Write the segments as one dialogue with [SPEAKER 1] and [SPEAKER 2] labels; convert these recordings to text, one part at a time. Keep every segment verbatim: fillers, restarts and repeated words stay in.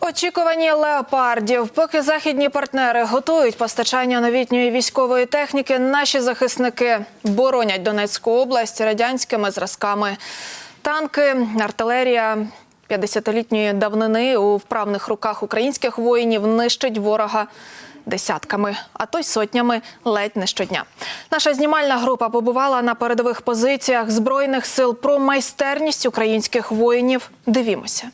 [SPEAKER 1] Очікувані леопардів. Поки західні партнери готують постачання новітньої військової техніки, наші захисники боронять Донецьку область радянськими зразками. Танки, артилерія п'ятдесятилітньої давнини у вправних руках українських воїнів нищить ворога десятками, а то й сотнями ледь не щодня. Наша знімальна група побувала на передових позиціях Збройних сил. Про майстерність українських воїнів дивімося.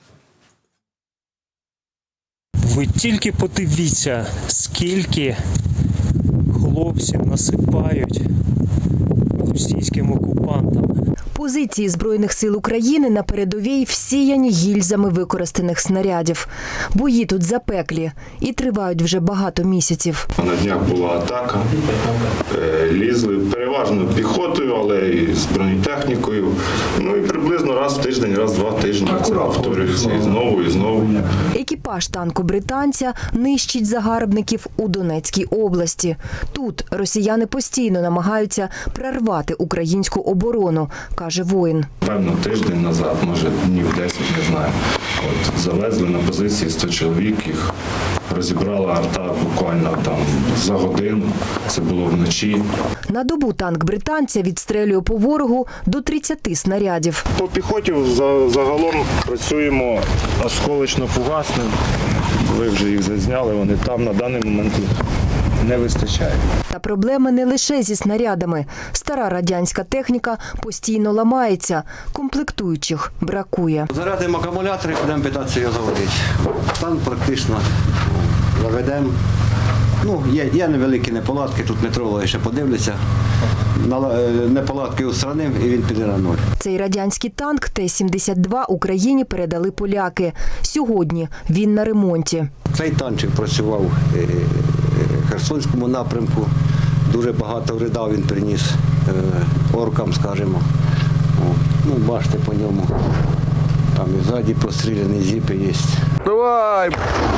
[SPEAKER 2] Ви тільки подивіться, скільки хлопців насипають російським окупантам.
[SPEAKER 3] Позиції Збройних сил України на передовій всіяні гільзами використаних снарядів. Бої тут запеклі і тривають вже багато місяців.
[SPEAKER 4] На днях була атака, лізли переважно піхотою, але і з бронетехнікою. Ну і приблизно раз в тиждень, раз в два тижні це повторюється і знову, і знову.
[SPEAKER 3] Екіпаж танку британця нищить загарбників у Донецькій області. Тут росіяни постійно намагаються прорвати українську оборону, каже воїн.
[SPEAKER 4] Певно, тиждень назад, може днів десять, не знаю. От завезли на позиції сто чоловік, їх розібрала арта буквально там за годину. Це було вночі.
[SPEAKER 3] На добу танк британця відстрелює по ворогу до тридцяти снарядів.
[SPEAKER 5] По піхоті загалом працюємо осколочно-фугасним. Ви вже їх зазняли, вони там на даний момент не вистачає.
[SPEAKER 3] Та проблеми не лише зі снарядами. Стара радянська техніка постійно ламається, комплектуючих бракує.
[SPEAKER 6] Зарядимо акумулятори, будемо питатися його заводити. Стан практично заведемо. Ну, є, є невеликі неполадки, тут метрологи ще подивляться. Неполадки устранив і він піде на нуль.
[SPEAKER 3] Цей радянський танк Т сімдесят два Україні передали поляки. Сьогодні він на ремонті.
[SPEAKER 6] Цей танчик працював в Херсонському напрямку. Дуже багато вреда він приніс оркам, скажімо. Ну, бачите по ньому. Там і ззаді простріляні зіпи є.
[SPEAKER 5] Давай!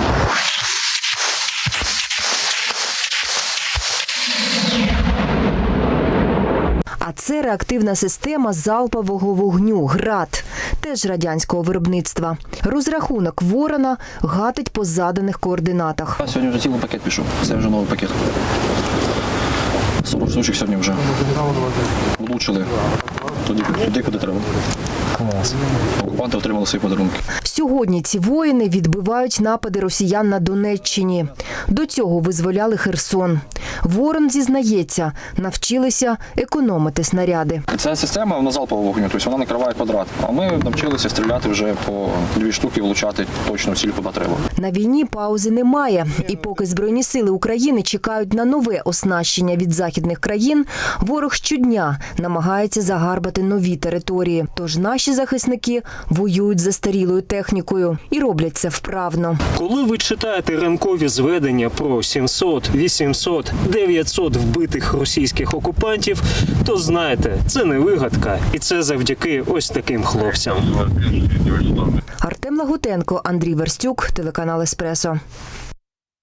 [SPEAKER 3] А це реактивна система залпового вогню «Град», теж радянського виробництва. Розрахунок «Ворона» гатить по заданих координатах.
[SPEAKER 7] Сьогодні вже цілий пакет пішов, це вже новий пакет. сорок штучок сьогодні вже влучили туди, туди, куди треба. Клас. Окупанти отримали свої подарунки.
[SPEAKER 3] Сьогодні ці воїни відбивають напади росіян на Донеччині. До цього визволяли Херсон. Ворон зізнається, навчилися економити снаряди.
[SPEAKER 7] Ця система вона залпового вогню, тобто вона накриває квадрат. А ми навчилися стріляти вже по дві штуки, влучати точно в ціль, куди треба.
[SPEAKER 3] На війні паузи немає. І поки Збройні сили України чекають на нове оснащення від західних країн, ворог щодня намагається загарбати нові території. Тож наші захисники воюють застарілою технікою і роблять це вправно.
[SPEAKER 2] Коли ви читаєте ранкові зведення про сімсот, вісімсот, дев'ятсот вбитих російських окупантів, то знаєте, це не вигадка. І це завдяки ось таким хлопцям.
[SPEAKER 3] Артем Лагутенко, Андрій Верстюк, телеканал «Еспресо».